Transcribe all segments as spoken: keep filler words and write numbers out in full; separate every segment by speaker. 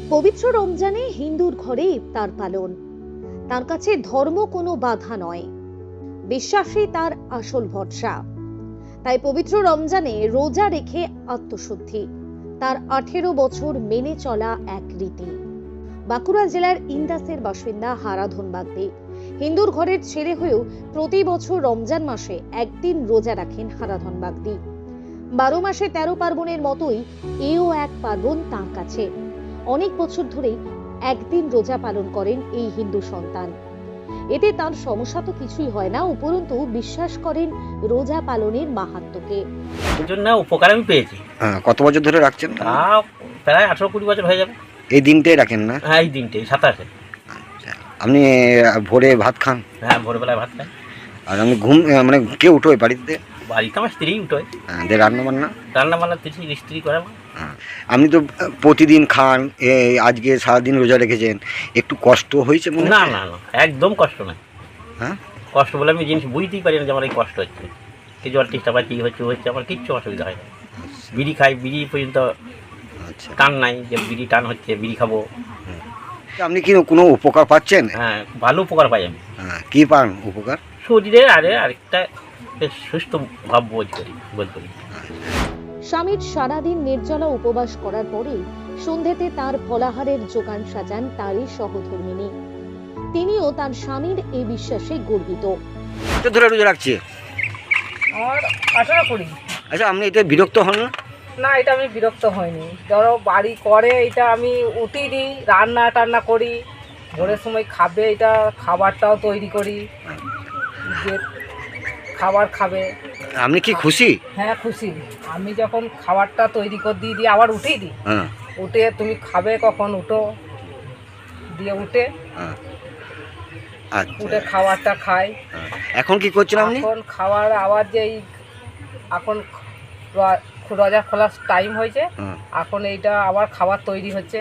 Speaker 1: পবিত্র রমজানে হিন্দুর ঘরে ইফতার পালন। তার কাছে ধর্ম কোনো বাধা নয়, বিশ্বাসই তার আসল ভরসা। তাই পবিত্র রমজানে রোজা রেখে আত্মশুদ্ধি তার আঠেরো বছর মেনে চলা এক রীতি। বাঁকুড়া জেলার ইন্দাসের বাসিন্দা হারাধন বাগদি হিন্দুর ঘরের ছেলে হয়েও প্রতি বছর রমজান মাসে একদিন রোজা রাখেন হারাধন বাগদি। বারো মাসে তেরো পার্বণের মতোই এও এক পার্বণ তাঁর কাছে। অনেক বছর ধরেই একদিন রোজা পালন করেন এই হিন্দু সন্তান। এতে তার সমস্যা তো কিছুই হয় না, উপরন্তু বিশ্বাস করেন রোজা পালনের মাহাত্ম্যকে।
Speaker 2: এর জন্য উপকার আমি পেয়েছি।
Speaker 3: হ্যাঁ, কত বছর ধরে রাখছেন?
Speaker 2: তা প্রায় আঠারো কুড়ি বছর হয়ে যাবে।
Speaker 3: এই দিনটাই রাখেন না?
Speaker 2: হ্যাঁ, এই দিনটাই সাতাশে।
Speaker 3: আচ্ছা, আপনি ভোরে ভাত খান?
Speaker 2: হ্যাঁ, ভোরবেলায় ভাত খাই।
Speaker 3: আর আমি ঘুম মানে কে উঠোয় বাড়িতে?
Speaker 2: বাড়িতে আমার স্ত্রী উঠোয়।
Speaker 3: হ্যাঁ, দিয়ে রান্না বান্না?
Speaker 2: রান্না বান্না স্ত্রী স্ত্রী করে।
Speaker 3: হ্যাঁ, আপনি তো প্রতিদিন খান, এই আজকে সারাদিন রোজা রেখেছেন, একটু কষ্ট হয়েছে মনে?
Speaker 2: না না না, একদম কষ্ট নয়।
Speaker 3: হ্যাঁ,
Speaker 2: কষ্ট বলে আমি জিনিস বুঝতেই পারি না যে আমার এই কষ্ট হচ্ছে। কিছু আর চেষ্টা পাচ্ছি হচ্ছে হচ্ছে আমার কিচ্ছু অসুবিধা হয় না। বিড়ি খাই, বিড়ি পর্যন্ত
Speaker 3: আচ্ছা,
Speaker 2: টান নাই যে বিড়ি টান হচ্ছে, বিড়ি খাবো।
Speaker 3: আপনি কি কোনো উপকার পাচ্ছেন?
Speaker 2: হ্যাঁ, ভালো উপকার পাই আমি।
Speaker 3: হ্যাঁ, কি পান উপকার?
Speaker 2: শরীরে আরে আরেকটা বেশ সুস্থ ভাব বোধ করি বোধ করি।
Speaker 1: স্বামীর সারাদিন নির্জলা উপবাস করার পরে সন্ধ্যেতে তার ফলাহারের জোগান সাজান তারই সহধর্মিনী। তিনিও তার স্বামীর এই বিশ্বাসে গর্বিত।
Speaker 3: কত ধরে রোজা রাখছে?
Speaker 4: আমার আঠারো কুড়ি।
Speaker 3: আচ্ছা, আপনি এতে বিরক্ত হন না?
Speaker 4: না, এটা আমি বিরক্ত হইনি। ধরো বাড়ি করে এটা আমি উঠি দিই, রান্না টান্না করি, ভোরের সময় খাবে এটা খাবারটাও তৈরি করি, যে খাবার খাবে।
Speaker 3: আপনি কি খুশি?
Speaker 4: হ্যাঁ, খুশি। আমি যখন খাবারটা তৈরি করে দিয়ে দিই আবার উঠেই দিই,
Speaker 3: হ্যাঁ,
Speaker 4: উঠে তুমি খাবে কখন উঠো দিয়ে উঠে
Speaker 3: হ্যাঁ,
Speaker 4: উঠে
Speaker 3: আচ্ছা।
Speaker 4: খাবারটা খাই।
Speaker 3: এখন কি করছেন আপনি?
Speaker 4: এখন খাবার আবার যেই এখন র- রোজা খোলার টাইম হয়েছে,
Speaker 3: হ্যাঁ,
Speaker 4: এখন এইটা আবার খাবার তৈরি হচ্ছে।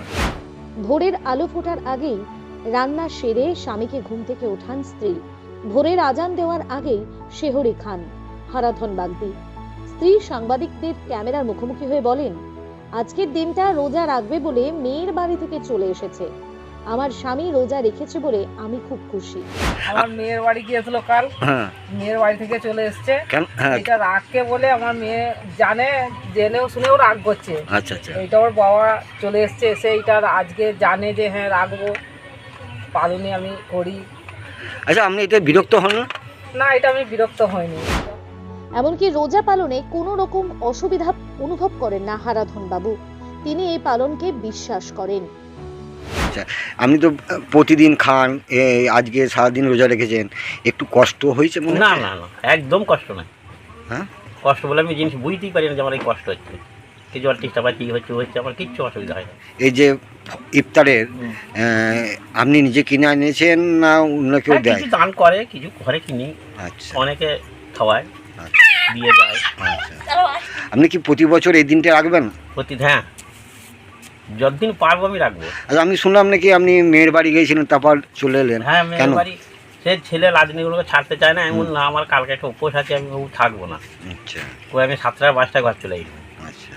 Speaker 1: ভোরের আলো ফোটার আগেই রান্না সেরে স্বামীকে ঘুম থেকে ওঠান স্ত্রী। ভোরের আজান দেওয়ার আগেই শেহরি খান হারাধন বাগদি। স্ত্রী সাংবাদিকদের ক্যামেরার মুখোমুখি হয়ে বলেন, আজকের দিনটা রোজা রাখবে বলে মেয়ের বাড়ি থেকে চলে এসেছে। আমার স্বামী রোজা রেখেছে বলে আমি খুব খুশি।
Speaker 4: আমার মেয়ের বাড়ি গিয়েছিল কাল,
Speaker 3: হ্যাঁ,
Speaker 4: মেয়ের বাড়ি থেকে চলে এসছে।
Speaker 3: কেন? হ্যাঁ,
Speaker 4: এটা রাখকে বলে আমার মেয়ে জানে, জেনেও শুনেও রাগ করছে।
Speaker 3: আচ্ছা আচ্ছা,
Speaker 4: এইটা ওর বাবা চলে এসছে, এসে এইটা আজকে জানে যে হ্যাঁ রাখবো, পালনে আমি করি।
Speaker 3: আচ্ছা, আপনি এতে বিরক্ত হন না?
Speaker 4: না, এটা আমি বিরক্ত হইনি।
Speaker 1: এমনকি রোজা পালনে কোনো রকম অসুবিধা অনুভব করেন না হারাধন বাবু। তিনি এই পালনকে বিশ্বাস করেন।
Speaker 3: আচ্ছা, আপনি তো প্রতিদিন খান, এই আজকে সারাদিন রোজা রেখেছেন, একটু কষ্ট হয়েছে মনে?
Speaker 2: না না না, একদম কষ্ট নয়।
Speaker 3: হ্যাঁ,
Speaker 2: কষ্ট বলে আমি জিনিস বুঝতেই পারি না যে আমার এই কষ্ট হচ্ছে। কিছু আর চেষ্টা পাচ্ছি হচ্ছে হচ্ছে আমার কিচ্ছু অসুবিধা হয় না।
Speaker 3: এই যে ইফতারের আহ, আপনি নিজে কিনে এনেছেন না অন্য কেউ
Speaker 2: হ্যাঁ,
Speaker 3: দেয়?
Speaker 2: কিছু দান করে, কিছু ঘরে কিনি,
Speaker 3: আচ্ছা,
Speaker 2: অনেকে খাওয়ায়,
Speaker 3: আচ্ছা,
Speaker 2: দিয়ে যায়।
Speaker 3: আচ্ছা। আপনি কি প্রতি বছর এই দিনটা রাখবেন?
Speaker 2: প্রতি হ্যাঁ, যতদিন পারবো আমি রাখবো।
Speaker 3: আচ্ছা, আমি শুনলাম নাকি আপনি মেয়ের বাড়ি গিয়েছিলেন তারপর চলে এলেন?
Speaker 2: হ্যাঁ,
Speaker 3: কেন?
Speaker 2: মেয়ের বাড়ি সে ছেলে রাজনীতিগুলোকে ছাড়তে চায় না, এমন না আমার কালকে একটা উপোস আছে আমি বাবু থাকবো না,
Speaker 3: আচ্ছা
Speaker 2: ওই আমি সাতটা পাঁচটা ঘর চলে যাই।
Speaker 3: আচ্ছা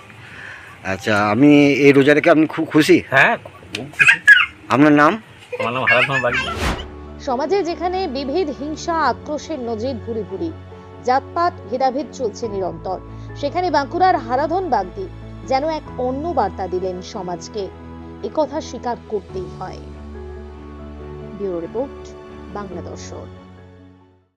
Speaker 3: আচ্ছা, আমি এই রোজা রেখে আপনি খুব খুশি?
Speaker 2: হ্যাঁ, খুব খুশি।
Speaker 3: আপনার নাম?
Speaker 2: আমার নাম হারাধন বাগদি।
Speaker 1: সমাজে যেখানে বিভেদ, হিংসা, আক্রোশের নজির ভুরি ভুরি, জাতপাত ভেদাভেদ চলছে নিরন্তর, সেখানে বাঁকুড়ার হারাধন বাগদি যেন এক অন্য বার্তা দিলেন সমাজকে। একথা স্বীকার করতেই হয়। ব্যুরো রিপোর্ট, বাংলা দর্শন।